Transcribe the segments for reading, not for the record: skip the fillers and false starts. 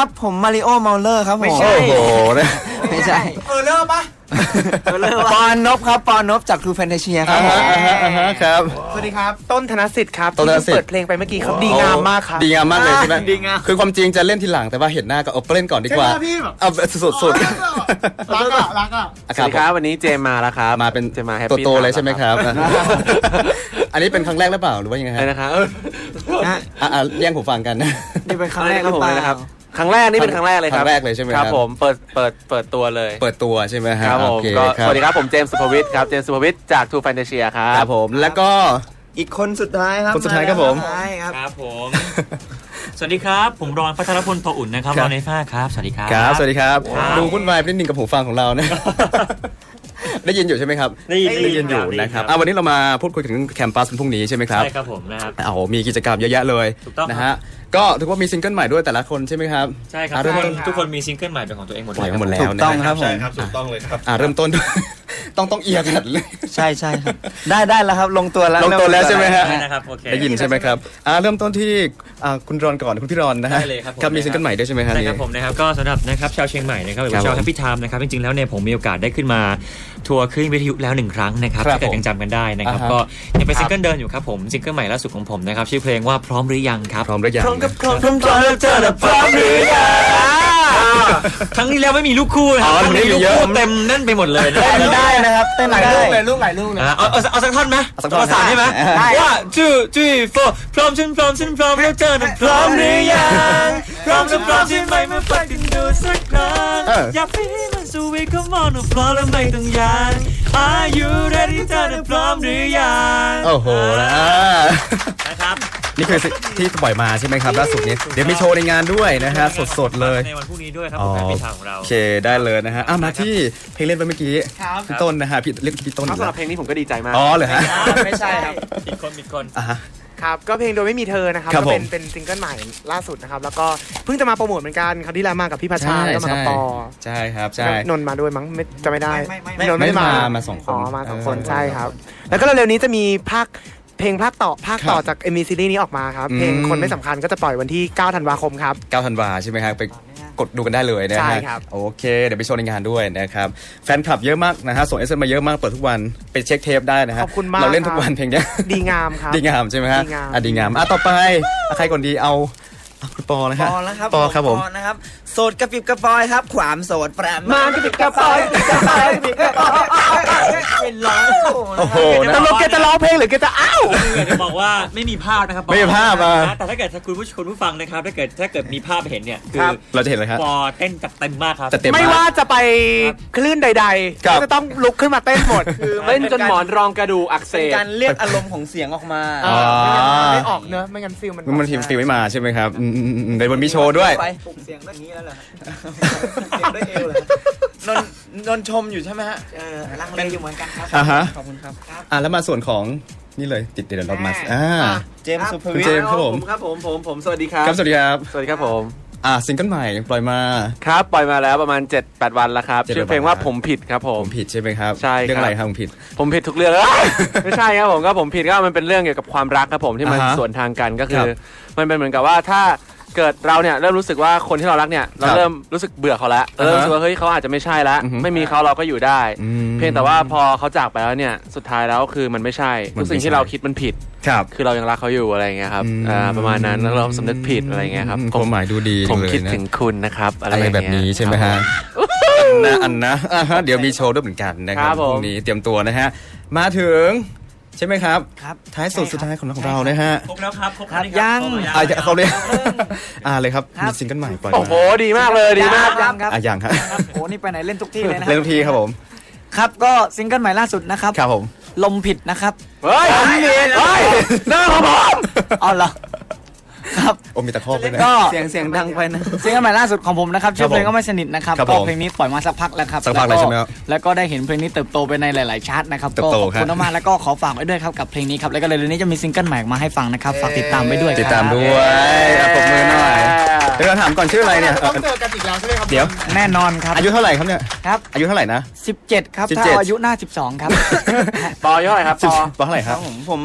ครับผมมาริโอเมาเลอร์ครับผมโอ้โหไม่ใช่เริ่มปะปอนนพครับปอนนพจากทูแฟนตาเชียครับผมครับสวัสดีครับต้นธนสิทธิ์ครับต้นธนสิทธิ์ที่เปิดเพลงไปเมื่อกี้ครับดีงามมากครับดีงามมากเลยใช่ไหมดีงามคือความจริงจะเล่นทีหลังแต่ว่าเห็นหน้าก็เอาเล่นก่อนดีกว่าใช่ไหมพี่แบบเอาสุดรักอ่ะๆสวัสดีครับวันนี้เจมมาแล้วครับมาเป็นเจมมาแฮปตัวปี้โตเลยใช่ไหมครับ อันนี้เป็นครั้งแรกหรือเปล่าหรือว่ายังไงใช่ฮะนะครับแย่งหูฟังกันนี่เป็นครั้งแรกหรือเปล่าครั้งแรกนี่เป็นครั้งแรกเลยครับครั้งแรกเลยใช่ไหมคครัรับ บผมเปิดตัวเลยเปิดตัวใช่ไหมฮะครับผมโอเคก็ครับสวัสดีครับผมเจมส์สุภวิทย์ครับเจมส์สุภวิทย์จากทูแฟนตาเชียครัครับ บผมแล้วก็อีกคนสุดท้ายครับคนสุดท้ายครับผมใช่ครับครับผม สวัสดีครับ ผมรอนพัทรพลโตอุ่นนะครับครัรบอนในฟ้าครับ สวัสดีครับครับสวัสดีครับครับดูวุ่นวายไปนิดนึงกับหูฟังของเรานะ ได้ยินอยู่ใช่ไหมครับได้ยินอยู่นะครับวันนี้เรามาพูดคุยถึงแคมปัสพรุ่งนี้ใช่ไหมครับใช่ครับผมนะครับโอ้โหมีกิจกรรมเยอะแยะเลยถูกต้องครับนะฮะก็ถือว่ามีซิงเกิลใหม่ด้วยแต่ละคนใช่ไหมครับใช่ครับเริ่มต้นทุกคนมีซิงเกิลใหม่เป็นของตัวเองหมดปล่อยเลยมาหมดแล้วถูกต้องครับผมถูกต้องเลยครับเริ่มต้น ต้องเอียงกันเลยใช่ใช่ครับได้แล้วครับลงตัวแล้วลงตัวแล้วใช่ไหมฮะใช่นะครับโอเคได้ยินใช่ไหมครับเริ่มต้นที่คุณรอนก่อนคุณพี่รอนนะฮะได้เลยครับผมครับมีซิงเกิลใหม่ด้วยใช่ไหมฮะใช่ครับผมนะครับก็สำหรับนะครับชาวเชียงใหม่นะครับหรือว่าครับชาวแฮปปี้ไทม์นะครับจริงๆแล้วเนี่ยผมมีโอกาสได้ขึ้นมาทัวร์คลื่นวิทยุแล้ว1ครั้งนะครับครับถ้าเกิดยังจำกันได้นะครับอ่าฮะก็ยังเป็นซิงเกิลเดินอยู่ครับผมซิงเกิลใหม่ล่าสุดของผมนะครับชื่อเพลงว่าพร้อมหรือยังครับพร้อมหรือยังพร้อมแล้วเจอแล้วพร้อมหรือยังครั้งที่แล้วไม่มีลูกคู่นะครับครั้งนี้ลูกคู่เต็มแน่นไปหมดเลยนะเต้นได้นะครับเต้นหลายได้ลูกเลยลูกหลายลูกเลยเอาสักท่อนไหมสักท่อนภาษานได้ไหมได้ว่า2 3 4พร้อมฉันพร้อมแล้วเจอนะพร้อมหรือยังพร้อมจะพร้อมใช่ไหมมาฟังกันดูสักครั้งอยากไปให้มันสวีท come on พร้อมแล้วไม่ต้องยาน Are you ready เธอพร้อมหรือยังโอ้โหนะครับนี่คือที่ปล่อยมาใช่ไหมครับล่าสุดนี้เดี๋ยวมีโชว์ในงานด้วยนะฮะสดๆเลยในวันพรุ่งนี้ด้วยครับอ๋อผมแฟนพิธาของเราโอเคได้เลยนะฮะมาที่เพลงเล่นไปเมื่อกี้พี่ต้นนะฮะพี่เรียกพี่ต้นครับสำหรับเพลงนี้ผมก็ดีใจมากอ๋อเหรอฮะไม่ใช่ครับอีกคนอ่ะฮะครับก็เพลงโดยไม่มีเธอนะครับครับก็เป็นผมเป็นซิงเกิลใหม่ล่าสุดนะครับแล้วก็เพิ่งจะมาโปรโมทเหมือนกันคราวที่แล้วมากับพี่พัชชาแล้วก็มากับปอใช่ครับใช่แล้วนนท์มาด้วยมั้งไม่จะไม่ได้ไม่นนท์ไม่ไม่มาสองคนอ๋อมาสองคนใช่ครับ แล้วก็เร็วๆนี้จะมีเพลงภาคต่อครับจากเอ็มวีซีรีส์นี้ออกมาครับอืมเพลงคนไม่สำคัญก็จะปล่อยวันที่ 9 ธันวาคมครับ 9 ธันวาใช่ไหมครับไปกดดูกันได้เลยนะใช่ฮะครับโอเคเดี๋ยวไปโชว์ในงานด้วยนะครับแฟนคลับเยอะมากนะฮะส่ง SMS มาเยอะมากเปิดทุกวันไปเช็คเทปได้นะฮะขอบคุณมากเราเล่นทุกวันเพลงเนี้ยดีงามครับดีงามใช่ไหมฮะดีงามดีงามต่อไปใครก่อนดีเอาคุณปอนะปฮะอแล้วครับปอครับผมปอนะครับโสดกระปิบกระปอยครับความโสดแปรมากระปิบกระปอยกระปอยกระปิบกระปอยเป็นร้องโอ้โหตกลงแกจะร้องเพลงหรือแกจะอ้าวอยากจะบอกว่าไม่มีภาพนะครับไม่มีภาพอ่ะแต่ถ้าเกิดคุณผู้ฟังนะครับถ้าเกิดมีภาพเห็นเนี่ยคือเราจะเห็นเลยครับปอเต้นจัดเต็มมากครับจะเต็มไม่มากว่าจะไปคลื่นใดครับๆก็จะต้องลุกขึ้นมาเต้นหมดคือเล่นจนหมอนรองกระดูกอักเสเป็นบการเรียกอารมณ์ของเสียงออกมาอ๋อไม่ออกเนอะไม่งั้นฟิลมันมันทีมฟิลไม่มาใช่ไหมครับในวันมีโชว์ด้วยไปปลุกเสียงแบบนี้แล้วเหรอเสียงด้วยเอวเลยนนชมอยู่ใช่ไหมฮะลังเลอยู่เหมือนกันครับอ่าฮะขอบคุณครับแล้วมาส่วนของนี่เลยติดเดนรถมาเจมส์สุภคุณวิทเจย์มส์ครับผมครับผมสวัสดีครับครับสวัสดีครับสวัสดีครับผมซิงเกิลใหม่ปล่อยมาครับปล่อยมาแล้วประมาณ 7-8 วันแล้วครับ 7-8 ชื่อเพลงว่าผมผิดครับผผม มผิดใช่ไหมครับใช่ครับเรื่องอะไรครับผมผิดผมผิดทุกเรื่อง ไม่ใช่ครับผมก็ผมผิดก็มันเป็นเรื่องเกี่ยวกับความรักครับผมที่มันอ่าฮะสวนทางกันก็คืครัอบ มันเป็นเหมือนกับว่าถ้าเกิดเราเนี่ยเริ่มรู้สึกว่าคนที่เรารักเนี่ยเราครับเริ่มรู้สึกเบื่อเขาแล้วอ่าฮะเริ่มรู้สึกว่าเฮ้ยเขาอาจจะไม่ใช่แล้วอือฮึไม่มีเขาเราก็อยู่ได้อืมเพียงแต่ว่าพอเขาจากไปแล้วเนี่ยสุดท้ายแล้วคือมันไม่ใช่มันทุกสิ่งไม่ใช่ที่เราคิดมันผิดครับคือเรายังรักเขาอยู่อะไรอย่างเงี้ยครับอืมประมาณนั้นแล้วเราสำนึกผิดอะไรอย่างเงี้ยครับความหมายดูดีผมเลยคิดนะถึงคุณนะครับอะไรอะไรอย่างแบเงี้ยบนี้ใช่ไหมฮะอันนะเดี๋ยวมีโชว์ด้วยเหมือนกันนะคครัรับบผมพรุ่งนี้เตรียมตัวนะฮะมาถึงใช่ไหมครับครับท้ายสุดสุดท้ายของเรานะฮะครบแล้วครับครบครับแล้วยังเขาเลยเลยครับครับมีซิงเกิลใหม่ปล่อยมาโอ้โหดีมากเลยดีมากยังครับอย่างครับครับโอ้นี่ไปไหนเล่นทุกที่เลยนะเล่นทุกทีครับผมครับก็ซิงเกิลใหม่ล่าสุดนะครับครับผมลมผิดนะครับเฮ้ยหน้าของผมเอาเหรอครับโอ้มีตะคอกด้วยนะก็เสียงดังไปนะซิงเกิลใหม่ล่าสุดของผมนะครับชื่อเพลงก็ไม่สนิทนะครับครับก็ผมเพลงนี้ปล่อยมาสักพักแล้วครับสักพักเลยใช่ไหมครับแล้วก็ได้เห็นเพลงนี้เติบโตไปในหลายๆชาร์ตนะครับเติบก็โตขอบคุณครับมากๆแล้วก็ขอฝากไว้ด้วยครับกับเพลงนี้ครับแล้วก็เร็วๆนี้จะมีซิงเกิลใหม่มาให้ฟังนะครับฝากติดตามไว้ด้วยติดคตารัมบด้วยปรบมือหน่อยเดี๋ยวเราถามก่อนชื่ออะไรเนี่ยต้องเจอกันอีกแล้วใช่ไหมครับเดี๋ยวแน่นอนครับอายุเท่าไหร่ครับเนี่ยครับอายุเท่าไหร่นะ 17ครับถ้า 17 อายุหน้า12ครับปอเท่าไหร่ครับปอปอเท่าไหร่คครัรับ บผม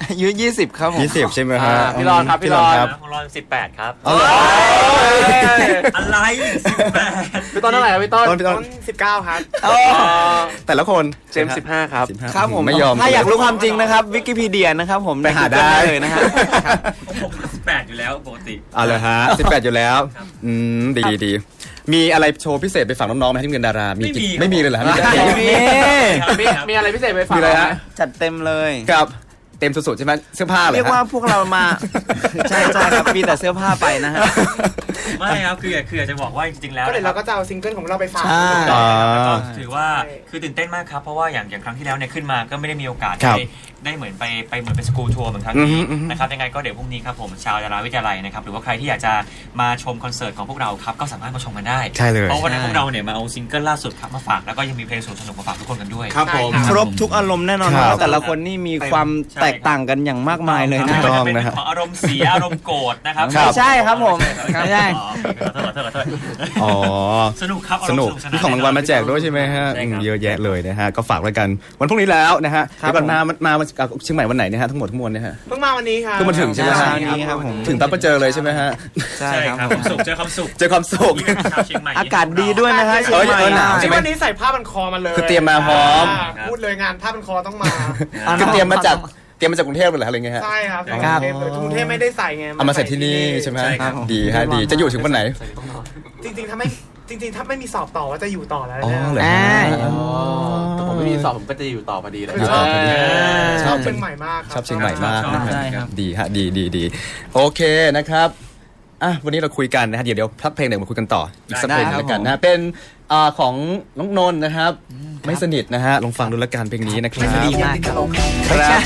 อายุ20ครับผม 20 ใช่ไหมฮะพี่รอนครับพี่รอนครับของเรา18 ครับเอาเหรออะไร18 พี่ต้นเท่าไหร่ครับพี่ต้นต้นต้น19 ครับแต่ละคนเจมส์15 ครับ 15 ครับผมไม่ยอมถ้าอยากรู้ความจริงนะครับวิกิพีเดียนะครับผมไปหาได้เลยนะฮะผม18อยู่แล้วปกติเอาเลยฮะ 18 อยู่แล้ว ดีดีมีอะไรโชว์พิเศษไปฝากน้องๆไหมที่เงินดารา มีกิจไม่มีเลยเหรอฮะมีแต่เพลงมีอะไรพิเศษไปฝากมีอะไรฮะจัดเต็มเลยกับเต็มสุดๆใช่ไหมเสื้อผ้าเหรอฮะเรียกว่าพวกเรามา ใช่ครับมีแต่เสื้อผ้าไปนะฮะไม่ครับคืออยากจะบอกว่าจริงๆแล้วก็เดี๋ยวนะคเรารับก็จะเอาซิงเกิลของเราไปฝากใช่แล้วก็ถือว่าคือตื่นเต้นมากครับเพราะว่าอย่างครั้งที่แล้วเนี่ยขึ้นมาก็ไม่ได้มีโอกาสครับได้เหมือนไปเหมือนเป็นสกูลทัวร์เหมือนครั้งนี้นะครับยังไงก็เดี๋ยวพรุ่งนี้ครับผมชาวดาราวิทยาลัยนะครับหรือว่าใครที่อยากจะมาชมคอนเสิร์ตของพวกเราครับก็สามารถมาชมกันได้ใช่เลยเพราะวันนี้พวกเราเนี่ยมาเอาซิงเกิลล่าสุดครับมาฝากแล้วก็ยังมีเพลงสนุกๆมาฝากทุกคนกันด้วยครับผมครบทุกอารมณ์แน่นอนครับว่าแต่ละคนนี่มีความแตกต่างกันอย่างมากมายเลยนะถูกต้องเป็นนะฮะของอารมณ์เสียอารมณ์โกรธนะครับครับไม่ใช่ครับผมไม่ใช่ขอโทษอ๋อสนุกครับสนุกามีของรางวัลมาแจกด้วยใช่ไหมฮะใช่ครับเยอะแยะเลยนะฮะก็ฝากไว้กันวันพรุ่งนี้แล้วนะฮะครับเดี๋ยวก่อนมาเชียงใหม่วันไหนเนี่ยฮะทั้งหมดทั้งมวลเนี่ยฮะเพิ่งมาวันนี้ครับเพิ่งมาถึงใช่ไหมฮะเช้านี้ครับผมถึงปั๊บก็เจอเลยใช่ไหมฮะใช่ใช่ครับครับผมความสุขเจอความสุขเจอความสุขนี่เป็นชาวเชียงใหม่อากาศดีด้วยนะฮะเชียงใหม่หนาวใช่ที่ไหมวันนี้ใส่ผ้าพันคอมาเลยคือเตรียมมาพร้อมพูดเลยงานผ้าพันคอต้องมาคือเตรียมมาจากกรุงเทพเลยเหรออะไรเงี้ยฮะใช่ครับครับกรุงเทพไม่ได้ใส่ไงเอามาใส่ที่นี่ใช่ไหมใช่ครับดีฮะดีจะอยู่ถึงวันไหนจริงๆถ้าไม่มีสอบต่อว่าจะอยู่ต่อแล้วอ๋อเนี่ยเหรออ่าแต่ผมไม่มีสอบผมก็จะอยู่ต่อพอดีเลยอยู่ต่อพอดีชอบเชียงใหม่มากชอบเชียงใหม่มากนะใช่คครัรับบ ดีฮะดีโอเคนะครับอ่ะวันนี้เราคุยกันนะฮะเดี๋ยวพักเพลงหนึ่งมาคุยกันต่ออีกสักเพลงได้ครับแล้วกันนะเป็นของน้องนนท์นะครับ ไม่สนิทนะฮะลองฟังดูละกันเพลงนี้นะครับดีมากครับครับ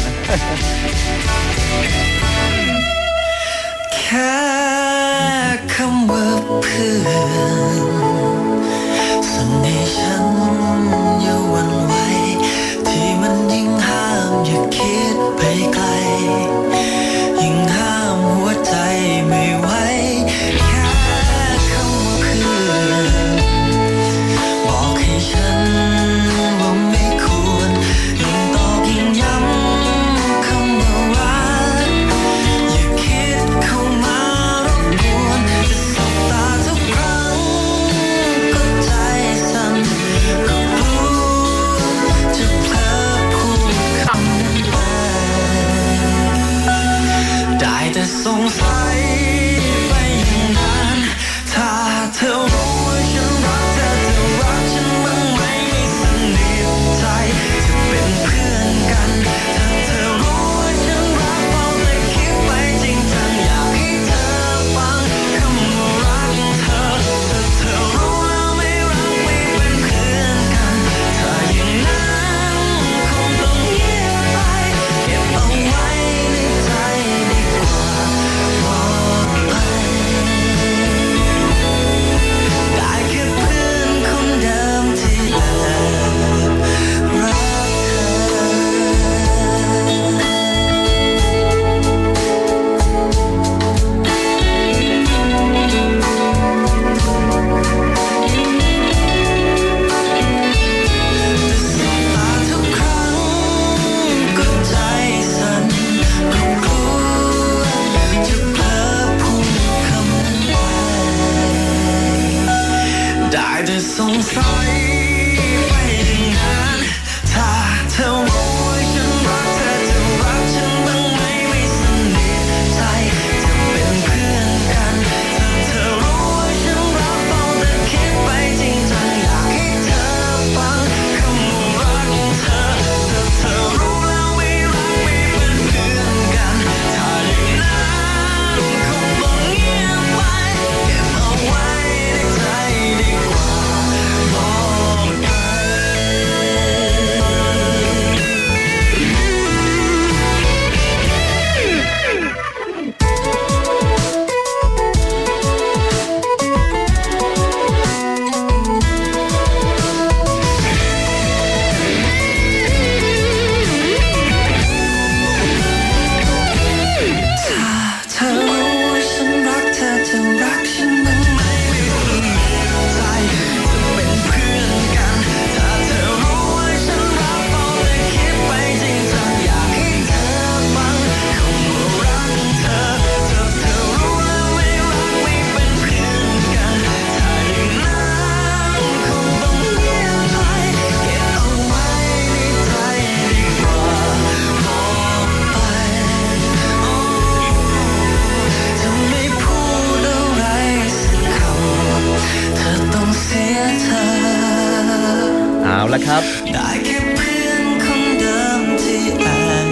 แค่คำว่าเพื่อนสั่งให้ฉันอย่าหวั่นไหวที่มันยิ่งห้ามอย่าคิดไปไกลยิ่งห้ามหัวใจไม่ไหวแค่คำว่าเพื่อนบอกให้ฉันว่าไม่ควรยิ่งตอกยิ่งย้ำคำว่ารักอย่าคิดเข้ามารบกวนจะสบตาทุกครั้งก็ใจสั่นก็กลัวจะเผลอพูดคำนั้นไปได้แต่สงสัยไปอย่างนั้นถ้าเธอรู้ว่าฉันรักเธอจะรักฉันบ้างไหมไม่สนิทใจจะเป็นเพื่อนกันถ้าเธอรู้ว่าฉันรักเฝ้าแต่คิดไปจริงจังอยากให้เธอฟังคำว่ารักเธอถ้าเธอรู้แล้วไม่รักไม่เป็นเพื่อนกันถ้าอย่างนั้นคงต้องเงียบไปเก็บเอาไว้ในใจดีกว่าบอกไปได้แค่เพื่อนคนเดิมที่แอบรักตาทุกครั้งก็ใจสั่นก็กลัวจะเผลอพูดคำนั้นไปได้แต่สงสัยไปอย่างนั้นถ้าเธอรู้ว่าฉันรักเธอจะรักฉันบ้างไหมไม่สนิทใจจะเป็นเพื่อนกันถ้าเธอรู้ว่าฉันรักเฝ้าแต่คิดไปจริงจังอยากให้เธอฟังคำว่ารักเธอถ้าเธอรู้แล้วไม่รักไม่เป็นเพื่อนกันถ้าอย่างนั้นคงต้องเงียบไปเก็บเอาไว้ในใจดีกว่าบอกละครับได้แค่เพื่อนคนเดิมที่แอบ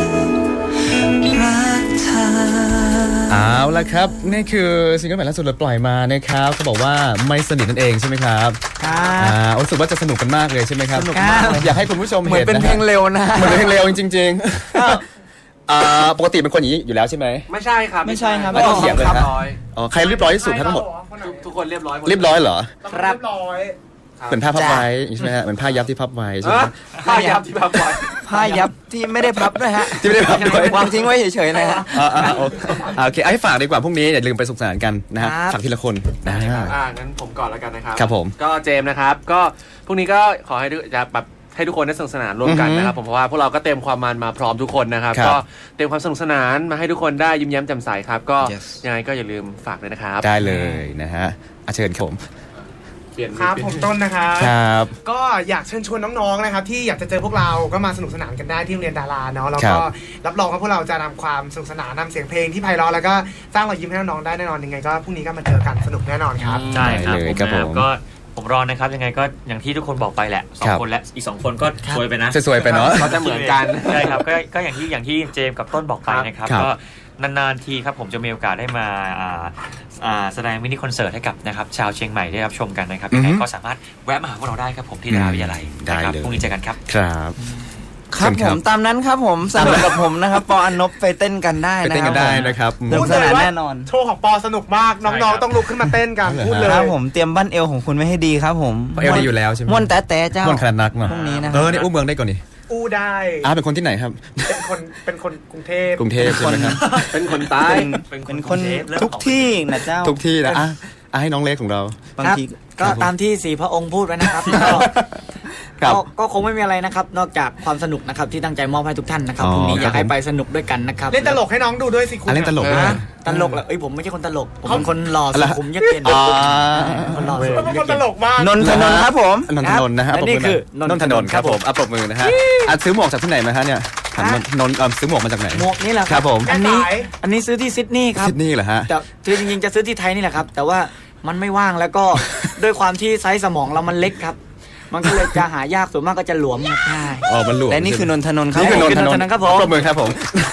รักเธอเอาละครับนี่คือซิงเกิลใหม่ล่าสุดเราปล่อยมานะครับเขาบอกว่าไม่สนิทนั่นเองใช่ไหมครับครับรู้สึกว่าจะสนุกกันมากเลยใช่ไหมครับสนุกมากเลยอยากให้คุณผู้ชมเหมือนเห็นเป็นเพลงเร็วนะเหมือนเป็นเพลงเร็วจริงๆปกติเป็นคนอย่างนี้อยู่แล้วใช่ไหมไม่ใช่ครับไม่ใช่ครับไม่ต้องเถียงเลยครับฮะร้อยอ๋อใครเรียบร้อยที่สุดทั้งหมดทุกคนเรียบร้อยหมดเรียบร้อยเหรอครับเรียบร้อยเหมือนผ้าพับไว้ใช่ไหมฮะเหมือนผ้ายับที่พับไว้ใช่ไหมผ้ายับที่พับไว้ผ้ายับที่ไม่ได้พับด้วยฮะที่ไม่ได้พับด้วยวางทิ้งไว้เฉยๆเลยฮะโอเคให้ฝากดีกว่าพรุ่งนี้อย่าลืมไปสุขสันต์กันนะฮะครับฝากทีละคนนะฮะงั้นผมก่อนแล้วกันนะครับครับผมก็เจมส์นะครับ ก็พรุ่งนี้ก็ขอให้จะแบบให้ทุกคนได้สนุกสนานร่วมกันนะครับผมเพราะว่าพวกเราก็เต็มความมันมาพร้อมทุกคนนะครับครับก็เต็มความสนุกสนานมาให้ทุกคนได้ยิ้มแย้มแจ่มใสครับ ก็ Yes ยังไงก็อย่าลืมฝากด้วยนะครับได้เลยนะฮะเชิญครับผมเปลี่ยนครับผมต้นนะครับครับก็อยากเชิญชวนน้องๆนะครับที่อยากจะเจอพวกเราก็มาสนุกสนานกันได้ที่โรงเรียนดาราเนาะแล้วครัก็บรับรองว่าพวกเราจะนำความสนุกสนานนำเสียงเพลงที่ไพเราะแล้วก็สร้างรอยยิ้มให้น้องๆได้แน่นอนยังไงก็พรุ่งนี้ก็มาเจอกันสนุกแน่นอนครับใช่ครับได้เลยผมครับนะผมก็ผมรอนะครับยังไงก็อย่างที่ทุกคนบอกไปแหละสอคงรับคนและอีก2คนก็สวยไปนะสวยๆไปเนาะเขาจะเหมือนกันใช่ครับก็อย่างที่เจมส์กับต้นบอกไปนะครับครับก็นานๆทีครับผมจะมีโอกาสได้มาแสดงมินิคอนเสิร์ตให้กับนะครับชาวเชียงใหม่ได้รับชมกันนะครับยังไงก็สามารถแวะมาหาพวกเราได้ครับผมที่ดาราวิทยาลัยได้นะครับเลยพรุ่งนี้เจอกันครับครับครับเชิญผมตามนั้นครับผมสนุกกับผมนะครับปออนบไปเต้นกันได้ไปนะเต้นกันได้นะครับสนุกสนานแน่นอนโชว์ของปอสนุกมากน้องๆต้องลุกขึ้นมาเต้นกันเหรอพูดเลยครับผมเตรียมบั้นเอวของคุณไว้ให้ดีครับผมเอลดีอยู่แล้วใช่ไหมม่วนแต่เจ้าม่วนขนาดนักเนาะพรุ่งนี้นะครับนี่อุ้มเมืองได้ก่อนนี่อู้ได้เป็นคนที่ไหนครับเป็นคนกรุงเทพกรุงเทพใช่ไหมครับเป็นคนใต้เป็นคนทุกที่นะเจ้าทุกที่นะให้น้องเล็กของเราบางทีก็ตามที่สีพระองค์พูดไว้นะครับครับก็คงไม่มีอะไรนะครับ นอกจากความสนุกนะครับที่ตั้งใจมอบให้ทุกท่านนะครับอ๋อพรุ่งนี้อยากครัให้บผมไปสนุกด้วยกันนะครับเล่นตลกให้น้องดูด้วยสิคุณเล่นตลกด้วยนะตลกเหรอผมไม่ใช่คนตลก ผมเป็นคนหล่อสุขุมเยือกเย็นอ๋อคนหล่อสุเขาขุมเป็นเยืคอกนตเย็นลกมากนนทนนท์ครับผมนนทนนท์นะฮะและนี่คือนนทนนท์ครับผมปรบมือนะฮะซื้อหมวกจากที่ไหนมาฮะเนี่ยถามนนท์ซื้อหมวกมาจากไหนหมวกนี่แหละครับผมอันนี้ซื้อที่ซิดนีย์ครับซิดนีย์เหรอฮะแต่คือจริงๆจะซื้อที่ไทยนี่แหละครับ แต่ว่ามันไม่ว่างแล้วก็ ด้วยความที่ไซส์สมองเรามันเล็กครับ มันก็เลยจะหายากส่วนมากก็จะหลวมครับใช่อ๋อมันหลวมและนี่คือนนทนนท์ครับนี่คือนนทนนนท์นท์ครับผมปรบมือครับผม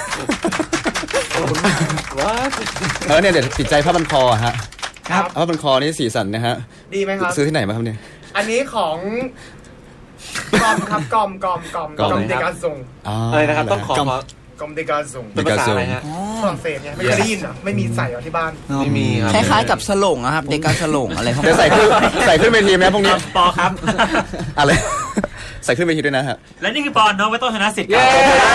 เนี่ยเดี๋ยวติดใจผ้าพันคอฮะครับผ้าพันคอนี่สีสันนะฮะดีไหมครับซื้อที่ไหนมาครับเนี่ยอันนี้ของกอมครับกอมกอมเดกาซุงอะไรนะครับต้องขอกอมเดกาซุงเป็นภาษาอะไรฮะฝรั่งเศสไงไม่เคยได้ยินเหรอไม่มีใส่เหรอที่บ้านไม่มีครับคล้ายๆกับสโลงอะครับเด็กการสโลงอะไรพวกเดี๋ยวนี้ใส่ขึ้นเวทีไหมพวกนี้ปอครับอะไร ใส่ขึ้นเวทีด้วยนะฮะและนี่คือปอนน้องไม่ต้องชนะสิทธิ์ครับ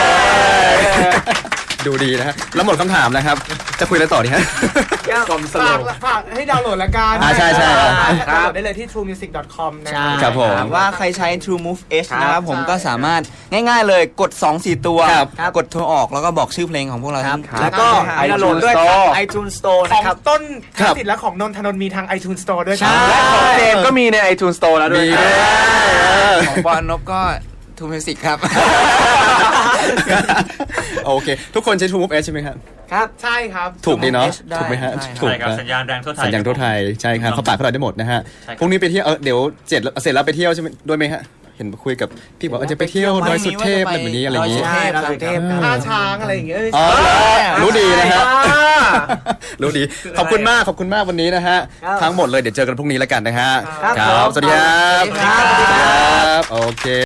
ดูดีนะฮะแล้วหมดคำถามนะครับ จะคุยอะไรต่อดีฮะกลมสโลฝากให้ดาวน์โหลดละกันใช่ดาวน์โหลดได้เลยที่ truemusic.com นะครับผมว่าใครใช้ True Move H นะครับผมก็สามารถง่ายๆเลยกด 2-4 ตัวครับกดโทรออกแล้วก็บอกชื่อเพลงของพวกเราทั้งแล้วก็ครับให้ดาวน์โหลดด้วยทาง iTunes Store ของนะครับต้นครับสิทธิ์และของนนทนนท์มีทาง iTunes Store ด้วยใช่และของเจมส์ก็มีใน iTunes Store แล้วด้วยมีด้วยของปอนนบก็ทูมิวสิกครับโอเค ทุกคนใช้ True Move S ใช่ไหมครับครับใช่ครับถูกดีเนาะได้ถูกไหมฮะได้ถูกใช่ครับนะสัญญาณแรงทั่วไทยสัญญาณทั่วไทยใช่ครับเขาปากเขาเราได้หมดนะฮะใช่ครับพรุ่งนี้ไปเที่ยวเดี๋ยวเสร็จแล้วไปเที่ยวใช่ไหมด้วยไหมฮะเห็นคุยกับพี่บอกว่าจะไปเที่ยวดอยสุเทพอะไรแบบนี้อะไรอย่างนี้ดอยสุเทพท่าช้างอะไรอย่างเงี้ยอ๋อรู้ดีนะฮะอ่ารู้ดีขอบคุณมากวันนี้นะฮะครับทั้งหมดเลยเดี๋ยวเจอกันพรุ่งนี้แล้วกันนะฮะครับครับสวัสดีครับสวัสดีครับครับโอเค